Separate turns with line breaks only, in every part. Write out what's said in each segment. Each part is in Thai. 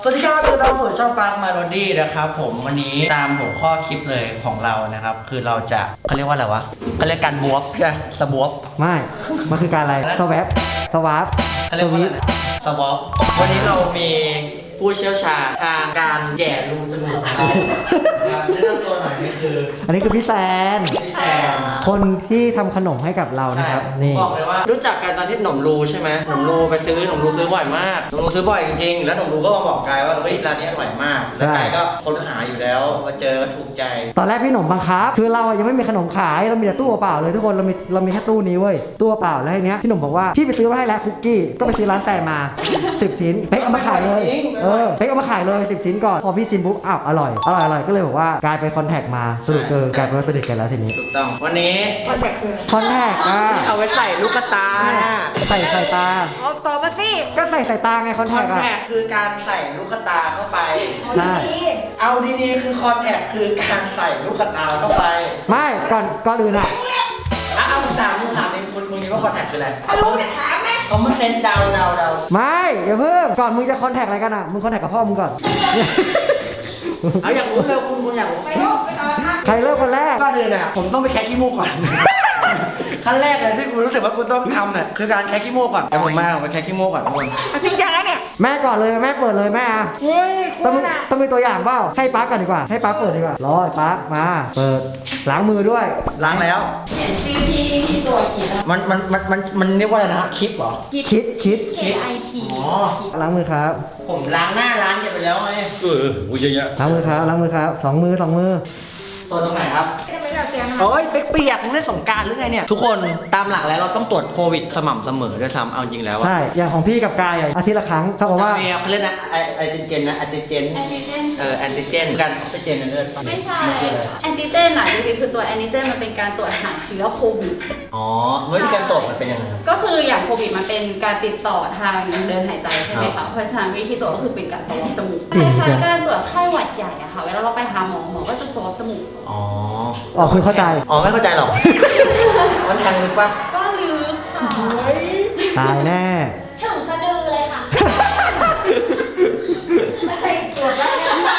สวัสดีครับคือเราสู่ช่องปาร์คมาโรดี้นะครับผมวันนี้ตามหัวข้อคลิปเลยของเรานะครับคือเราจะเขาเรียกว่าอะไรวะเขาเรียกการบวบใช่ไหมสบวบ
ไม่ มันคือการอะไรสววาร์ป
เขาเรียกว่าอะไรนะสบวบวันนี้เรามีผู้เชี่ยวชาญทางการแย่รูจมูกของเรานะครับแนะนำตัวหน่อยนี่คือ
อันนี้คือพี่แซน
พี่แซม
คนที่ทำขนมให้กับเรานะครับ นี่
บอกเลยว่ารู้จักกันตอนที่หนมรูใช่ไหมหนมรูไปซื้อหนมรูซื้อบ่อยมากหนมรูซื้อบ่อยจริงๆแล้วหนมรูก็มาบอกกายว่าเฮ้ยร้านนี้อร่อยมากแล้วกายก็ค้นหาอยู่แล้วมาเจอก็ถูกใจ
ตอนแรกพี่หนมบังคับ คือเราอะยังไม่มีขนมขาย เรามีแต่ตู้เปล่าเลยทุกคน เรามีแค่ตู้นี้เว้ย ตู้เปล่าแล้วทีเนี้ยพี่หนมบอกว่าพี่ไปซื้อมาให้แล้วคุกกี้ ก็ไปซื้อร้านแต่มา 10 ชิ้นเป๊กเอามาขายเลยเป๊กเอามาขายเลย10 ชิ้นก่อน พอพี่ชิมปุ๊บอ้าวอร่อยก็เลยบอกว่ากลายไปคอนแทคมาสรุปกลายเป็นว่าสนิทกันแล้วทีนี้
ถูกต้องวันนี้
คอนแทคอ่ะ
เอาไว้ใส่ลูกตา
ใส่ตา
เอาต่อมาสิ
ก็ใส่ตาไงคอน
ค
แท
อน
คอะ
แทคคือการใส่ลูกตาเข้าไป
ใช่
เอาดีๆคือคอนแทคคือการใส่ลูกตาเข้าไป
ไม่ก่อนอื่นอะ
เอาถามเองคุณคิดว่าคอนแทคคืออะไร
ลุงจะถามไหม
เขามาเซนเดา
ไม่อย่าเพิ่งก่อนมึงจะคอนแทคอะไรกันอะมึงคอนแทคกับพ่อมึงก่อน
เอาอยากรู้เลยคุณอยากรู้
ไปลูกไปนอนนะ
ใครเริ่มคนแรก
ก็เลยเนี่ยผมต้องไปแคะขี้มูกก่อน ขั้นแรกเลยที่คุณรู้สึกว่าคุณต้องทำเนี่ยคือการแคะขี้มูกก่อนแต่ผมไปแคะขี้มูกก่อนทุกคน
จริงจังแล้วเนี่ย
แม่ก่อนเลยแม่เปิดเลยแม่อะ
เฮ้ย
ต้อง
คุณอ่ะ
ต้องมีตัวอย่างเปล่าให้ป๊าก่อนดีกว่าให้ป๊าเปิดดีกว่ารอป๊ามาเปิดล้างมือด้วย
ล้างแล้ว
เห็นชื่อที่ตัวเขียน
มันเรียกว่าอะไรนะคลิปเหรอ
คิด
KIT
อ๋อ
ล้างมือครับ
ผมล้างหน้าล้างไปแล้วไง
เยอะแยะ
ล้างมือครับสองมือ
ตัวตรงไหนครับ
ทำไมแบบเสียง
โอ้ยเปียกๆมึงได้สงกรารหรือไงเนี่ยทุกคนตามหลักแล้วเราต้องตรวจโควิดสม่ำเสมอด้วยซ้ำเอาจริงแล้วอะ
ใช่อย่างของพี่กับกายอะอาทิตย์ละครั้งเท่ากับว่า
มีเขาเรียกนะแอนติเจนนะแอนติเจน
แอนติเจน
แอนติเจนการออกซิเจนในเลือด
ไม่ใช่
นคืออะไร
แอนติเจนอ่ะจริงๆคือตัวแอนติเจนมันเป็นการตรวจหาเชื้อโควิด
อ๋อวิธีการตรวจมันเป็นยังไง
ก็คืออย่างโควิดมันเป็นการติดต่อทางเดินหายใจใช่ไหม
ครั
คะ
บ
เพราะฉะนั้นวิธีตรวจก็คือเป็นการสวอปจมูก
อื
ค
ม
ล้ายๆการตรวจไข้หวัดใหญ่อะค่ะ เวลาเราไปหาหมอก็จะสวอปจมูก
อ๋อ
อ๋อคือเข้าใจ
อ๋อไม่เข้าใจหรอก มันแทงลึกปะ
ก็ลึกค่ะ
ตายแน่
ถึงสะดือเลยค่ะไม่ใช่ตรวจได้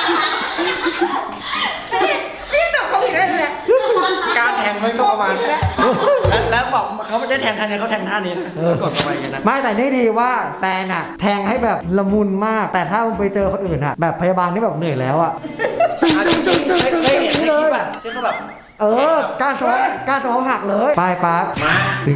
ไม่ได้ตรวจโควิดได้เลย
การแทงมันก็ประมาณนี้แล้วบอกเขาไม่ได้แทงท่านี้เขาแทงท่านี้นะกดเข้าไปอย่างนั้นนะ
ไม่แต่นี่ดีว่าแฟนอะแทงให้แบบละมุนมาก แต่ถ้ามึงไปเจอคนอื่นอะแบบพยาบาลที่แบบเหนื่อยแล้วอะ
จริงๆเคยเห็นในคลิปแบบที่เขาแบบ
การสวอปหักเลยไปป๊า
มา
ตึง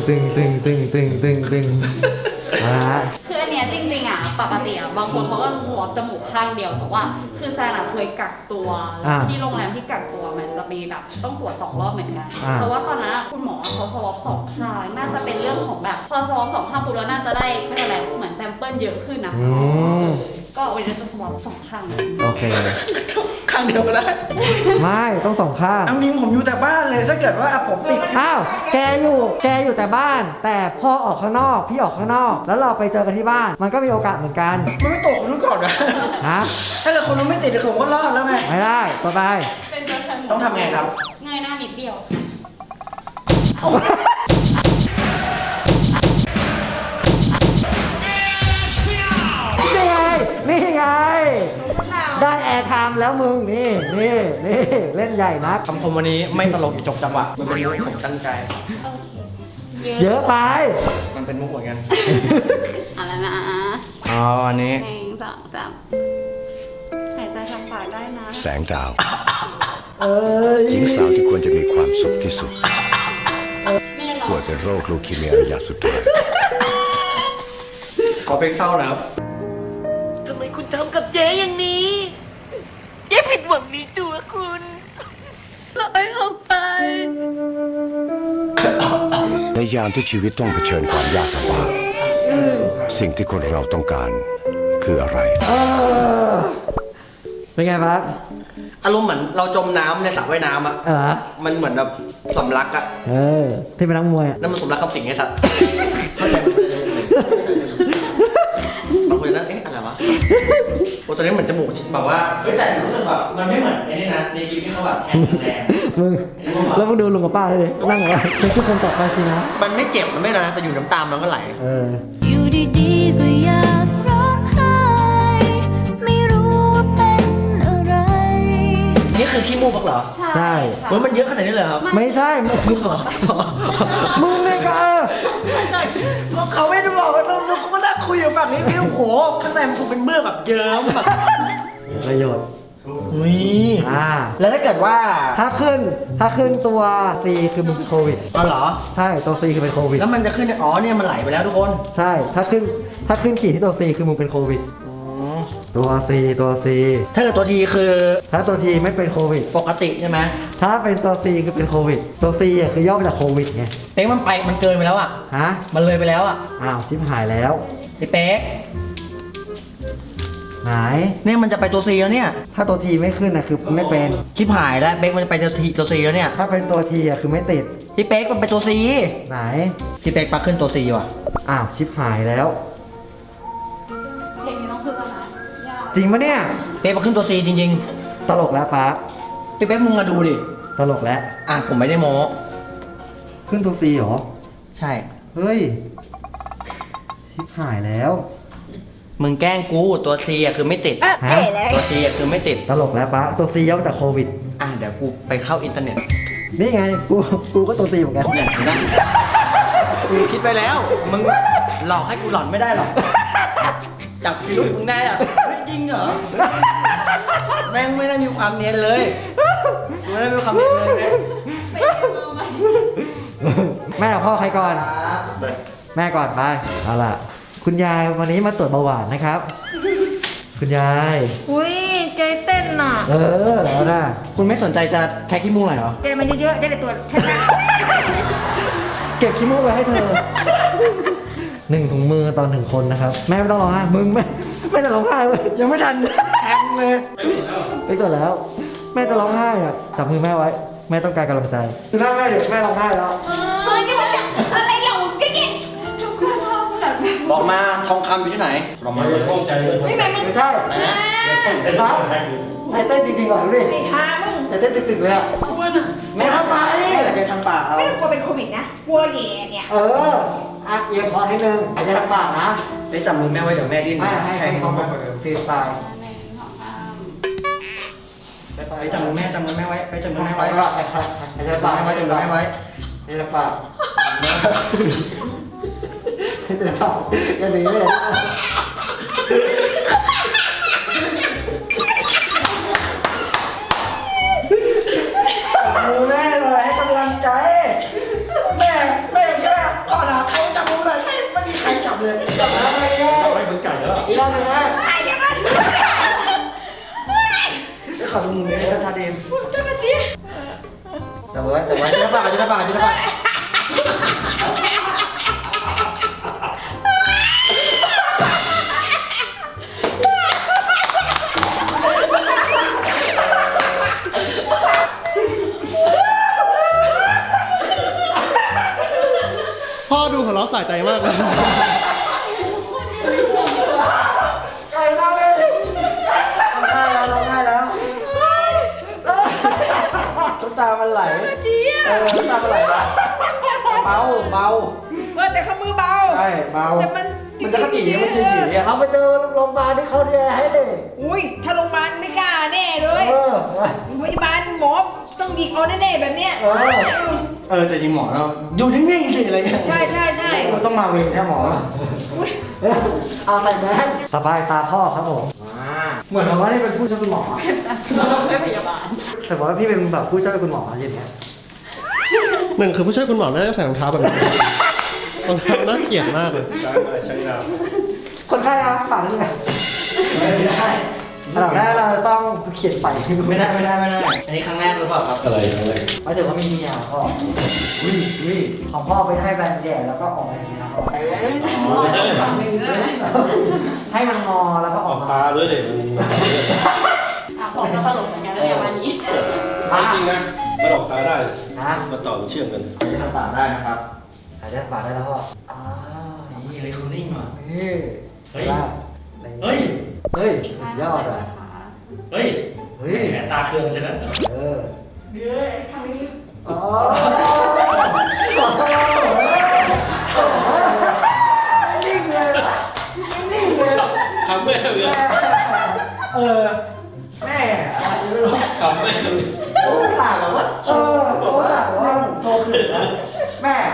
มา
คืออันเนี้ยจริงๆอะปกติอะบางคนเขาก็สวอปจมูกข้างเดียวแต่ว่า คือแซนอะเคยกักตัวแล้วที่โรงแรมที่กักตัวมันจะมีแบบต้องตรวจ2 รอบเหมือนกันเพราะว่าตอนนั้นอะคุณหมอเขาสวอป2 ข้างน่าจะเป็นเรื่องของแบบพอสวอป2 ข้างปุ๊บแล้วน่าจะได้ไม่เป็นไรเหมือนแซมเปิลเยอะขึ้นนะคะก็วันนี้จะสวอป2 ข้าง
โอเค
ข้างเดียวก็ได้
ไม่ต้องสองข้าง
เอานิ้งผมอยู่แต่บ้านเลยถ้าเกิดว่าผมติด
อ้าวแกอยู่แต่บ้าน แต่พ่อออกข้างนอกพี่ออกข้างนอก แล้วเราไปเจอกันที่บ้าน มันก็มีโอกาสเหมือนกัน
มันไม่ตกคนนู้นก่อนนะ
นะ
ถ้าเกิดคนนู้นไม่ติดเดี๋ยวผมก็รอดแล้วไง
ไม่ได้ต่อไป
เป็นแบบแซม
ต้องทำไงครับ
เงยหน้านิดเดียว
นี่ไงได้แอร์ไทม์แล้วมึงนี่เล่นใหญ่นัก
คำคมวันนี้ไม่ตลกอยู่จบจังหวะมันเป็นมุกผมตั้งใจ
เยอะไป
มันเป็นมุกเหมือนกัน
เอาแล้วนะ
อ๋อวันนี้
1 2 3หายใจทางปากได้นะ
แสงดาว
เอ้ย
หญิงสาวที่ควรจะมีความสุขที่สุด
ไม่ได้หรอ
ป่วยเป็นโรคลูคีเมียระยะสุดท้าย
ขอเพลงเศร้าแล้ว
ทำไมคุณทำกับเจ๊อย่างนี้ เจ๊ผิดหวังในตัวคุณปล่อยออกไป
ในยามที่ชีวิตต้องเผชิญความยากลำบากสิ่งที่คนเราต้องการคืออะไร
เป็นไงบ้าง
อารมณ์เหมือนเราจมน้ำในสระว่ายน้ำอ่ะ มันเหมือนแบบสำลักอ่ะ
ที่เป็นนักมวย
นั่นมันสำลักคำสิงไงสัตว์เข้าใจไหมบางคนนั่นอะไรวะโอ้ตอนนี้เหมือนจมูกแบบว่าเฮ้ยแต่รู้สึกแบบมันไม่เหมือนไอ้นี่นะในคลิปที่เขาแบบแทงแรง
มึงแล้วมึงดูลุงกับป้าเลยนั่งแบบว่าเป็นทุกคนต่อไปสินะ
มันไม่เจ็บมันไม่นะแต่อยู่น้ำตามันก็ไหล
อยู่ดีๆก็อยากร้องไห้
มูกเหรอ
ใช่
ค่ะ
เฮ้ยมันเยอะขนาดนี้เลยครับ
ไม่ใช่มึงมึงเลยก็
เขาไม่ได้บอกว่าเราก็นั่งคุยอยู่ฝั่งนี้พี่โอ้โหข้างในมันคงเป็นเมือกแบบเยิ้มแบบ
ประโยชน์
อุ้ย
แล้ว
ถ้าเกิดว่า
ถ้าขึ้นตัว C คือมึงเป็นโควิด
อ๋อเหรอ
ใช่ตัว C คือเป็นโควิด
แล้วมันจะขึ้นอ๋อเนี่ยมันไหลไปแล้วทุกคน
ใช่ถ้าขึ้นขีดที่ตัว C คือมึงเป็นโควิดตัว C ตัว C
ถ้าเกิดตัวทีคือ
ถ้าตัว T ไม่เป็นโควิด
ปกติใช่ไหม
ถ้าเป็นตัว C คือเป็นโควิดตัว C อ่ะคือย่อมาจากโควิดไง
เป๊กมันเกินไปแล้วอ่ะ
ฮะ
มันเลยไปแล้วอ่ะ
อ้าวชิบหายแล้ว
ไอ้เป๊ก
หาย
เนี่ยมันจะไปตัวซีแล้วเนี่ย
ถ้าตัว T ไม่ขึ้นนะคือไม่เป็น
ชิบหายแล้วเป๊กมันจะไปตัวซีแล้วเนี่ย
ถ้าเป็นตัว T อ่ะคือไม่ติด
พี่เป๊กมันไปตัวซี
ไหน
พี่เป๊กปักขึ้นตัวซีว่ะ
อ้าวชิบหายแล้ว
เพลงนี้ต้องพึ่งแล้วนะยาก
จริงปะเนี่ย
เป๊กปักขึ้นตัวซีจริง
ตลกแล้วป๊า
ๆพี่เป๊กมึงมาดูดิ
ตลกแล้ว
อ่ะผมไม่ได้โม้
ขึ้นตัว C เหรอ
ใช่
เฮ้ยชิบหายแล้ว
มึงแกล้งกูตัวซีอ่ะคือไม่ติด
อ่ะ
ฮะ
เอ๋เลย
ตัวซีอ่ะคือไม่ติด
ตลกแล้วป๊าตัว C ย่อมาจากโควิด
อ่ะเดี๋ยวกูไปเข้าอินเทอร์เน็ต
นี่ไงกูก็ตัว C เหมือนกัน
เนี่ยเห็นไหมกูคิดไปแล้ว มึงหลอกให้กูหลอนไม่ได้หรอก จับพิรุษมึงได้อ่ะเฮ้ยจริงเหรอ แม่งไม่ได้มีความเนียนเลยกูไม่ได้มีความเนียนเลยนะ
ไม่ได้เอาไหม
แม่กับพ่อใครก่อน แม่ก่อนไปเอาล่ะ คุณยายวันนี้มาตรวจเบาหวานนะครับ คุณยาย
อุ้ยใจเต้นน่ะ
เออแล้วนะ
คุณไม่สนใจจะแท็กขี้มูกหน่อยเหรอ
ใจมันเยอะๆได้แต่ตัวชัด
เก็บขี้มูกไว้ให้เธอ 1 ถุงมือตอน1 คนนะครับ แม่ไม่ต้องร้องไห้มึงไม่จะร้องไห้เว้ย
ยังไม่ทันแทงเลย
ไปก่อนแล้ว แม่จะร้องไห้อ่ะจับมือแม่ไว้ แม่ต้องการกำลังใจคือถ้าแม่เดี๋ยวแม่ร้องไห้แล้ว
ๆเฮ้ยนี่มันจับอะไรเหล่าแก่
ทุกคนชอบแบบ
บอกมาทองคำอยู่ที่ไหนบอกมาเลย
ๆไม่แม่มึง
ไม่ใช่
ไหนนะ
เห็นปะใจเต้นจริงๆว่ะดูดิ
ไอ้ทามึง
ใจเต้นตึกๆเลยอ่ะแม่ทำไม
จะทางปากเอา
ไม่ต้องกลัวเป็นโควิดนะกลัวแย่เนี่ย
เอออัดเอียงคอนิดนึงหายใจทางปากนะ
ได้จับมือแม่ไว้เดี๋ยวแม่ดิ้น
ให้
แทง
เขา
เขา
มาฟรีสไตล์
ไปจับมือแม่ไว้ไปจับมือแม่ไว้
หายใจ
จับ
ปาก
มือแม่ไว้จับมือแม่ไว้
หายใจปากหายใจปากอย่าหนีเลย
จับมือแม่หน่อยให้กำลังใจ แม่อย่างนี้แม่ขอหาใครจับมือหน่อยไม่มีใครจับเลยจับแล้วไม่ได้
เราไปบึงไก่แล้วอีกรอบนึงนะ
ไอ้เดี๋ยวมัน
ไปขอดูมือแม่ให้ชัดๆเอง
เจ้าหน้าที่
จับไว้จะได้ปากจะได้ปากจะได้ปาก
พ่อดูหัวเราะสะใจมากเลย
ไก่มาเลยร้องไห้แล้วน้ำตามันไหล
จี้อ่ะ
น้ำตามันไหลเบา
แต่ข้ามือเบา
ใช่เบา
แต่มัน
มันจะกระจีมันจีอ่ะ
เราไปเจอโรงพยาบาลที่เขาดูแลให้เด็ก
อุ้ยถ้าโรงพยาบาลไม่กล้าแน่เลย พยาบาลหมอต้องยิงเอาแน่ๆแบบเนี้ย
แต่จริงหมอเราอยู่นิ่งๆสิอะไรเงี้ย
ใช่ใช่ใช่
ต้องมาเวรแค่หมอ
เอาใส่แมสสบายตาพ่อครับผมเหมือนกับว่านี่เป็นผู้ช่วยคุณหมอ
ไม่พยาบาล
แต่ว่าพี่เป็นแบบผู้ช่วยคุณหมออย่างเงี้ย
หนึ่งคือผู้ช่วยคุณหมอน่าจะใส่รองเท้าแบบนี้รองเท้าน่าเกลียดมากเลย
คนไข้ครับฝากด้วยกัน
ไม่ได้
อันดับแรกเราต้องเขียนไป
ไม่ได้ อันนี้ครั้งแรกหรือเปล่าครับอะไร
หมายถึงว่ามีเมียพ่อของพ่อไปให้แบนแย่แล้วก็ออกมาอย่างนี้นะพ่อ
ฝั่งหนึ่งด้วย
ให้มันงอแล้วก็ออกมา
ตาด้วยเด็ก
อ่ะผมก็ตลกเหมือนกันเลยวันนี้
จริงนะมันออกตาได้
นะ
มาต่อเชื่อมกัน
อันนี้ทำปากได้นะครับ
หายใจปากได้แล้วพ่อ
นี่เลยคุณนิ่งว่ะ
นี่
เฮ้ย เฮ้ย
เฮ้ยยอดอ่ะ
เฮ้ย
เฮ้ย
แหมตาเคืองใช่ไหม
เออ
เดี๋ยวทำนี้
อ๋อนิ่งเลยนิ่งเลย
คำแม่เลย
แม่อะไรไม่รู้
คำแม่เลย
เ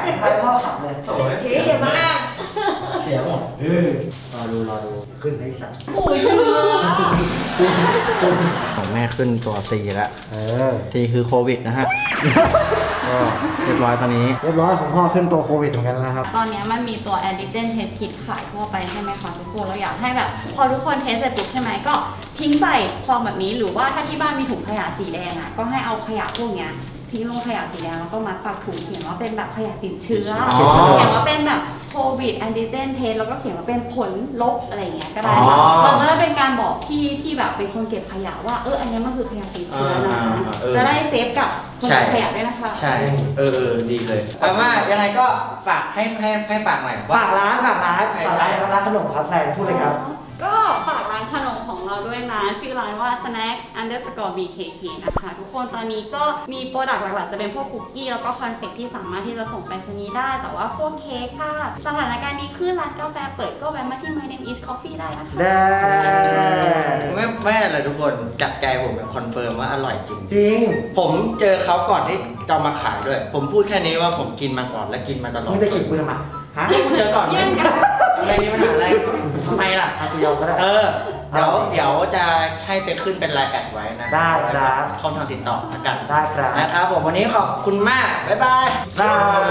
ใครพ่อขับเลย
โถ่
เจ๊อย่ามาอ้าง
เสียหมดรอดู
ขึ้นได้สัตว์
โอ้ยเชื่อ
ของแม่ขึ้นตัว C แล้ว
อ
C คือโควิดนะฮะ ก็เรียบร้อยตอนนี้
เรียบร้อยของพ่อขึ้นตัวโควิดเหมือนกันนะครับ
ตอนนี้มันมีตัวแอนติเจนเทสคิดขายทั่วไปใช่ไหมคะทุกคนเราอยากให้แบบ พอทุกคนเทสเสร็จปุ๊บใช่ไหมก็ทิ้งใส่ซองแบบนี้หรือว่าถ้าที่บ้านมีถุงขยะสีแดงอ่ะก็ให้เอาขยะพวกเนี้ยทิ้งลงขยะสีแดงแล้วก็มัดปากถุงเขียนว่าเป็นแบบขยะติดเชื้ออ
อ
เขียนว่าเป็นแบบโควิดแอนติเจนเทสแล้วก็เขียนว่าเป็นผลลบอะไรอย่างเงี้ยก็ได้ค่ะ
อ๋อ
มันจะได้เป็นการบอกที่แบบเป็นคนเก็บขยะว่าอันนี้มันคือขยะติดเชื้อนะจะได้เซฟกับคนเก็บขยะด้วยนะคะ
ใช่ ดีเลยเอาว่ายังไงก็ฝากให้ฝากหน่อย
ฝากร้านครับร้านขนมครับแซนพูดเลยครับ
ก็ฝากร้านขนมของเราด้วยนะ ชื่อร้านว่า snacks_bkk นะคะทุกคนตอนนี้ก็มีโปรดักต์หลักๆจะเป็นพวกคุกกี้แล้วก็คอนเฟกที่สามารถที่จะส่งไปรษณีย์ได้แต่ว่าพวกเค้กค่ะสถานการณ์นี้ขึ้นร้านกาแฟเปิดก็แวะมาที่ My Name is Coffee ได้นะคะ
ได้
ไม่อะไรทุกคนจับใจผมเป็นคอนเฟิร์มว่าอร่อยจริง
จริง
ผมเจอเขาก่อนที่จะมาขายด้วย ผมพูดแค่นี้ว่าผมกินมาก่อนและกินมาตลอด
มึงจะขิงกูทำไมฮะ
เจอก่อนไหม
เยี่ยมกัน
อะไรมีปัญหาอะไรทำไมล่ะ
ทำกูยอมก็ได้
เดี๋ยวจะให้ไปขึ้นเป็นไลน์แอดไว้นะ
ได้ครับ
ช่องทางติดต่อละกัน
ได้ครับ
นะครับผมวันนี้ขอบคุณมาก บ๊ายบาย
ได้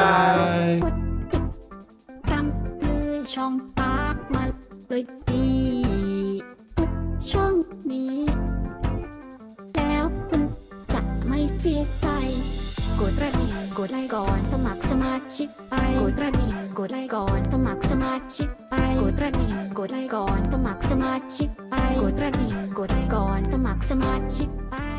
ตามเลยช่องปากมาเลยดีทุกช่องนี้ แล้วคุณจะไม่เสียใจ กดกระดิ่งกดไลค์ก่อนสมัครสมาชิกไปกดกระดิ่งกดไลค์ก่อนสมัครสมาชิกไปกดกระดิ่งกดไลค์ก่อนสมัครสมาชิกไปกดกระดิ่งกดไลค์ก่อนสมัครสมาชิกไป